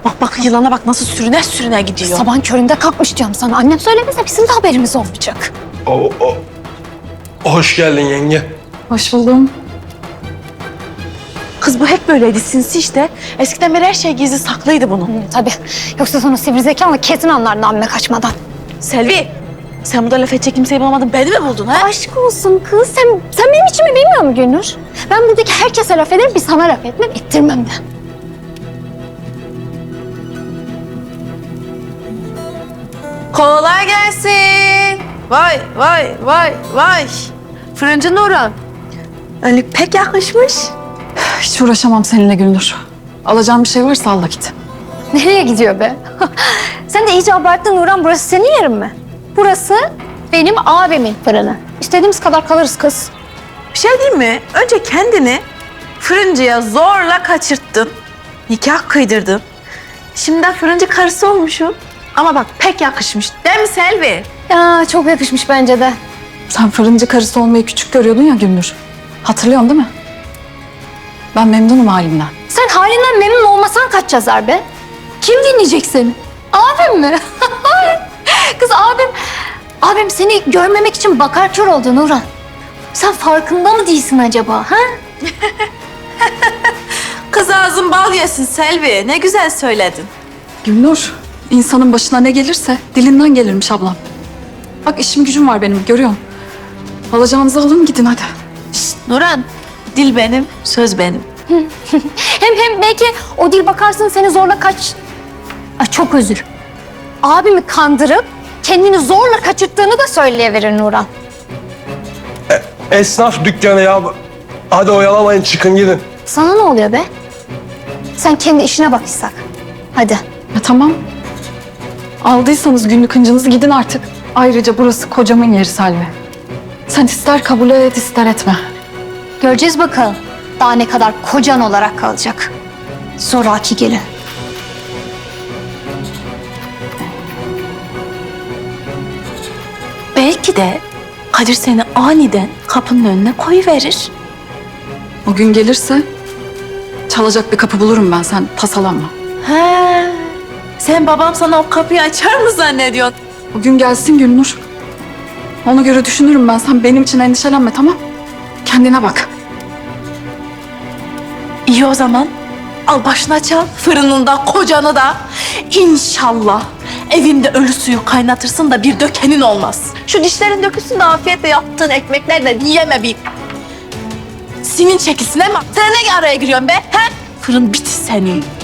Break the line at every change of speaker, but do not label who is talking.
Bak bak yılana bak nasıl sürüne sürüne gidiyor.
Sabahın köründe kalkmış diyorum sana. Annem söylemese bizim de haberimiz olmayacak.
Hoş geldin yenge.
Hoş buldum.
Kız bu hep böyleydi sinsi işte. Eskiden beri her şey gizli saklıydı bunun.
Tabii. Yoksa sonra sivri zekanla kesin anlardın amme kaçmadan.
Selvi sen burada laf edecek kimseyi bulamadın beni mi buldun ha?
Aşk olsun kız. Sen benim içimi bilmiyor musun Gülnur? Ben buradaki herkese laf ederim, bir sana laf etmem, ettirmem de.
Kolay gelsin. Vay vay vay vay. Fırıncı Nurhan. Önlük pek yakışmış.
Hiç uğraşamam seninle Gülnur. Alacağım bir şey varsa al da git.
Nereye gidiyor be? Sen de iyice abarttın Nurhan. Burası senin yerin mi? Burası benim abimin fırını. İstediğimiz kadar kalırız kız.
Bir şey diyeyim mi? Önce kendini fırıncıya zorla kaçırttın. Nikah kıydırdın. Şimdi de fırıncı karısı olmuşum. Ama bak pek yakışmış. Değil mi Selvi?
Ya çok yakışmış bence de.
Sen fırıncı karısı olmayı küçük görüyordun ya Gülnur. Hatırlıyorsun değil mi? Ben memnunum halimden.
Sen halinden memnun olmasan kaç yazar be? Kim dinleyecek seni? Abim mi? Kız abim seni görmemek için bakar kör oldu Nurhan. Sen farkında mı değilsin acaba? Ha?
Kız ağzın bal yesin Selvi. Ne güzel söyledin.
Gülnur, insanın başına ne gelirse dilinden gelirmiş ablam. Bak işim gücüm var benim, görüyorsun. Alacağınızı alın gidin hadi.
Nurhan, dil benim, söz benim.
Hem belki o dil bakarsın seni zorla kaç... Ay çok özür. Abimi kandırıp kendini zorla kaçırttığını da söyleyiverir Nurhan.
Esnaf dükkanı ya. Hadi oyalamayın çıkın gidin.
Sana ne oluyor be? Sen kendi işine bak İshak. Hadi.
Ya tamam. Aldıysanız günlük hıncınızı gidin artık. Ayrıca burası kocamın yeri Selvi. Sen ister kabul et ister etme.
Göreceğiz bakalım. Daha ne kadar kocan olarak kalacak. Zoraki gelin.
Belki de Kadir seni aniden kapının önüne koyuverir.
O gün gelirse çalacak bir kapı bulurum ben, sen tasalanma.
He. Sen babam sana o kapıyı açar mı zannediyorsun?
O gün gelsin Gülnur. Ona göre düşünürüm ben, sen benim için endişelenme, tamam? Kendine bak.
İyi o zaman. Al başına çal. Fırınında kocanı da. İnşallah evinde ölü suyu kaynatırsın da bir dökenin olmaz. Şu dişlerin dökülsün de afiyetle yaptığın ekmeklerle yeme bir. Sinin çekilsin ama sen ne araya giriyorsun be? He? Fırın biti senin.